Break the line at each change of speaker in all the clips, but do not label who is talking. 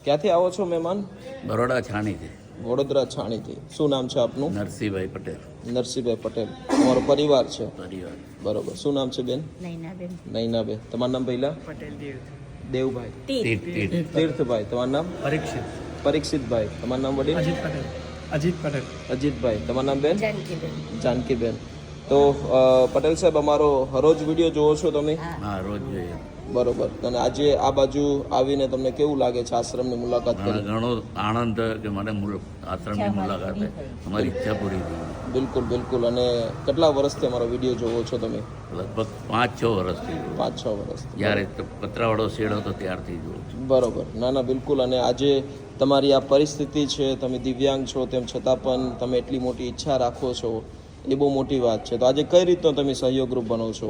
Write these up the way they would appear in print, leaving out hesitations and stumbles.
ક્યાંથી આવો છો મહેમાન?
બરોડા છાણીથી.
વડોદરા છાણીથી. શું નામ છે આપનું?
નરસિંહભાઈ પટેલ.
નરસિંહભાઈ પટેલ. તમારો પરિવાર છે?
પરિવાર.
બરોબર. શું નામ છે બેન?
નૈનાબેન.
નૈનાબેન. તમારું નામ પહેલા?
પટેલ
દેવભાઈ.
તીર્થ.
તીર્થભાઈ. તમારું નામ? પરીક્ષિતભાઈ. તમારું નામ વડીલ? અજીતભાઈ. તમારું નામ બેન?
જાનકીબેન.
જાનકીબેન. તો પટેલ સાહેબ, અમારો હરોજ વિડીયો જોવો છો તમે?
હા, રોજ જોઈએ.
બરોબર. અને આજે આ બાજુ આવીને તમને કેવું લાગે છે આશ્રમની મુલાકાત કરી?
ઘણો આનંદ કે મને આશ્રમની મુલાકાતે અમારી ઈચ્છા પૂરી થઈ.
બિલકુલ બિલકુલ. અને કેટલા વર્ષથી અમારો વિડીયો જોવો છો તમે?
લગભગ 5-6 વર્ષથી.
5-6 વર્ષથી.
જ્યારે પતરાવાળો શેડ હતો ત્યારથી જોઉં છું.
બરોબર. ના ના, બિલકુલ. અને આજે તમારી આ પરિસ્થિતિ છે, તમે દિવ્યાંગ છો, તેમ છતાં પણ તમે એટલી મોટી ઈચ્છા રાખો છો, એ બહુ મોટી વાત છે. તો આજે કઈ રીતનો તમે સહયોગરૂપ બનો છો?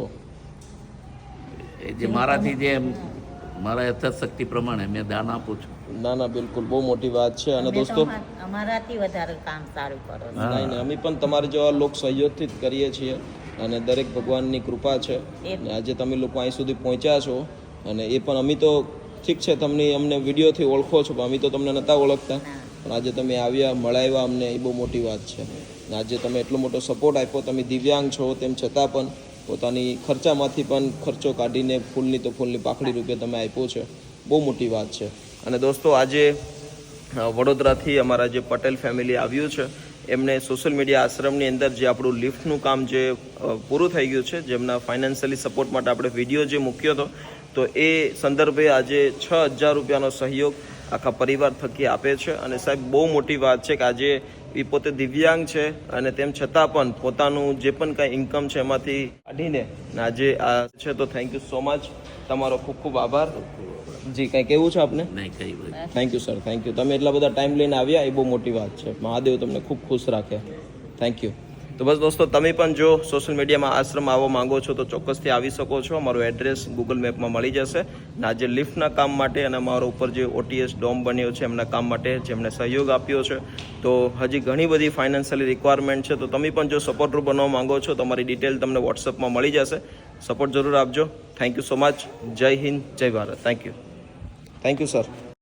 એ જે મારાથી જે મારા યથાશક્તિ પ્રમાણે મેં દાન આપું છું.
ના ના, બિલકુલ બહુ મોટી વાત છે. અને દોસ્તો,
અમારાથી વધારે કામ સારું કરો છો.
નહીં નહીં, અમે પણ તમારા જેવા લોક સહયોગથી જ કરીએ છીએ. અને દરેક ભગવાનની કૃપા છે. અને આજે તમે લોકો અહીં સુધી પહોંચ્યા છો. અને એ પણ અમે તો ઠીક છે, તમને અમને વિડીયોથી ઓળખો છો, પણ અમે તો તમને નહોતા ઓળખતા. પણ આજે તમે આવ્યા, મળાવ્યા અમને, એ બહુ મોટી વાત છે. અને આજે તમે એટલો મોટો સપોર્ટ આપ્યો. તમે દિવ્યાંગ છો તેમ છતાં પણ પોતાની ખર્ચામાંથી પણ ખર્ચો કાઢીને ફૂલની તો ફૂલની પાકડી રૂપે તમે આપ્યો છે. બહુ મોટી વાત છે. અને દોસ્તો, આજે વડોદરાથી અમારા જે પટેલ ફેમિલી આવ્યું છે, એમને સોશિયલ મીડિયા આશ્રમની અંદર જે આપણું લિફ્ટનું કામ જે પૂરું થઈ ગયું છે, જેમના ફાઇનાન્શિયલી સપોર્ટ માટે આપણે વિડીયો જે મૂક્યો હતો, તો એ સંદર્ભે આજે 6,000 રૂપિયાનો સહયોગ આખા પરિવાર થકી આપે છે. અને સાહેબ, બહુ મોટી વાત છે કે આજે એ પોતે દિવ્યાંગ છે અને તેમ છતાં પણ પોતાનું જે પણ કાંઈ ઇન્કમ છે એમાંથી કાઢીને આજે આ છે. તો થેન્ક યુ સો મચ. તમારો ખૂબ ખૂબ આભાર. જી, કંઈ કહેવું છે આપને?
નહીં, કઈ ભાઈ.
Thank you sir, thank you. તમે એટલા બધા ટાઈમ લઈને આવ્યા, એ બહુ મોટી વાત છે. મહાદેવ તમને ખૂબ ખુશ રાખે. Thank you. તો બસ દોસ્તો, તમે પણ જો સોશિયલ મીડિયામાં આશ્રમ આવવા માંગો છો તો ચોક્કસથી આવી શકો છો. અમારું એડ્રેસ ગૂગલ મેપમાં મળી જશે. અને આજે લિફ્ટના કામ માટે અને અમારા ઉપર જે OTS ડોમ બન્યો છે એમના કામ માટે જેમણે સહયોગ આપ્યો છે, તો હજી ઘણી બધી ફાઇનાન્શિયલી રિક્વાયરમેન્ટ છે. તો તમે પણ જો સપોર્ટર બનવા માંગો છો તો તમારી ડિટેલ તમને વોટ્સઅપમાં મળી જશે. સપોર્ટ જરૂર આપજો. Thank you so much. જય હિન્દ, જય Bharat. Thank you. Thank you sir.